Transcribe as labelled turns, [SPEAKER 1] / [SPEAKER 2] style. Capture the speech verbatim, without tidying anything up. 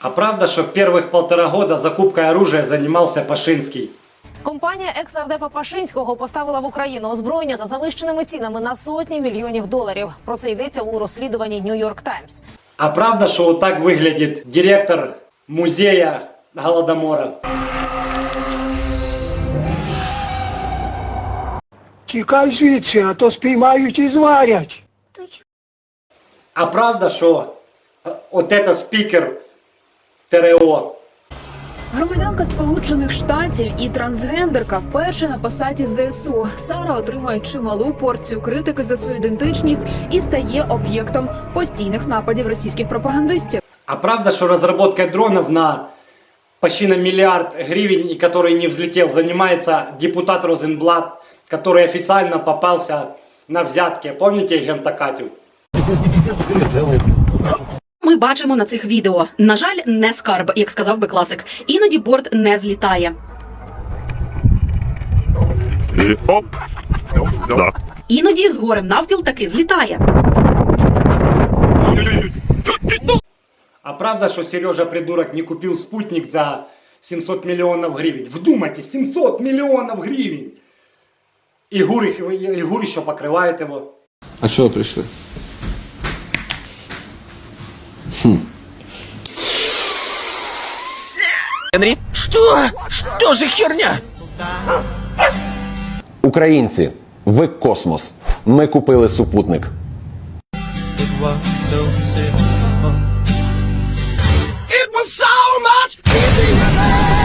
[SPEAKER 1] А правда, что первых полтора года закупкой оружия занимался Пашинский?
[SPEAKER 2] Компанія екс-нардепа Пашинського поставила в Україну озброєння за завищеними цінами на сотні мільйонів доларів. Про це йдеться у розслідуванні New York Times.
[SPEAKER 1] А правда, что вот так выглядит директор музея Голодомора?
[SPEAKER 3] Тікай звідси, а то спіймають і зварять.
[SPEAKER 1] А правда, что вот это спикер ТРО?
[SPEAKER 4] Громадянка Сполучених Штатів і трансгендерка вперше на посаді ЗСУ. Сара отримує чималу порцію критики за свою ідентичність і стає об'єктом постійних нападів російських пропагандистів.
[SPEAKER 1] А правда, что разработкой дронов на почти на миллиард гривен, и который не взлетел, занимается депутат Розенблат, который официально попался на взятки. Помните агента Катю?
[SPEAKER 5] Ми бачимо на цих відео. На жаль, не скарб, як сказав би класик. Іноді борт не злітає.
[SPEAKER 6] І оп! Да.
[SPEAKER 5] Іноді з горем навпіл таки злітає.
[SPEAKER 1] А правда, что Сережа придурок не купил спутник за семьсот миллионов гривен? Вдумайтесь, семьсот миллионов гривен! И ГУР, и ГУР еще покрывает его.
[SPEAKER 7] А чего пришли?
[SPEAKER 8] Генри? Что? Что за херня?
[SPEAKER 9] Українці, ви космос. Ми купили супутник.
[SPEAKER 8] It was so much easier than